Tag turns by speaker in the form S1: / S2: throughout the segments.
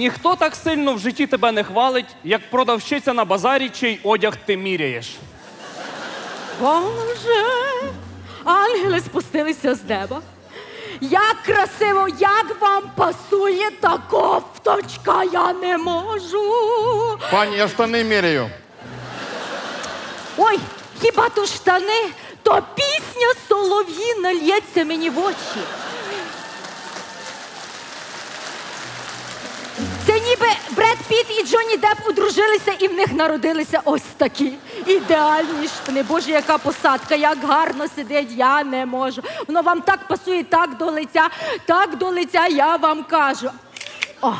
S1: ніхто так сильно в житті тебе не хвалить, як продавщиця на базарі, чий одяг ти міряєш.
S2: Боже, ангели спустилися з неба. Як красиво, як вам пасує та кофточка, я не можу.
S3: Пані, я штани міряю.
S2: Ой, хіба то штани, то пісня солов'їна лється мені в очі. Це ніби Бред Піт і Джонні Депп одружилися і в них народилися ось такі ідеальні штани. Боже, яка посадка, як гарно сидить, я не можу. Воно вам так пасує, так до лиця, я вам кажу. О.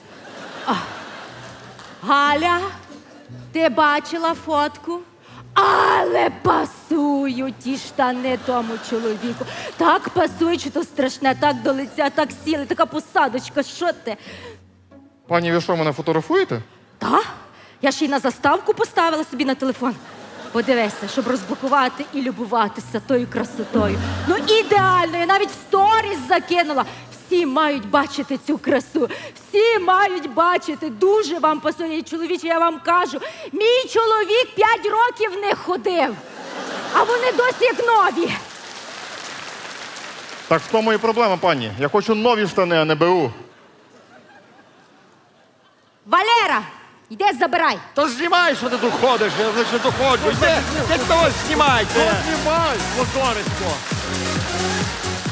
S2: Галя, ти бачила фотку? Але пасують ті штани тому чоловіку. Так пасують, що то страшне, так до лиця, так сіли, така посадочка, що ти?
S3: Пані, ви що, мене фотографуєте?
S2: Та? Я ще й на заставку поставила собі на телефон. Подивися, щоб розблокувати і любуватися тою красотою. Ну ідеально, я навіть в сторіс закинула. Всі мають бачити цю красу. Всі мають бачити. Дуже вам пасує. І, чоловіче, я вам кажу, мій чоловік 5 років не ходив. А вони досі як нові.
S3: Так в тому і проблема, пані. Я хочу нові штани, а не БУ.
S2: Валера, йди забирай.
S4: То знімай, що ти тут ходиш, я вже тут ходжу. Йди того знімайте.
S3: Знімай!
S4: Позорисько.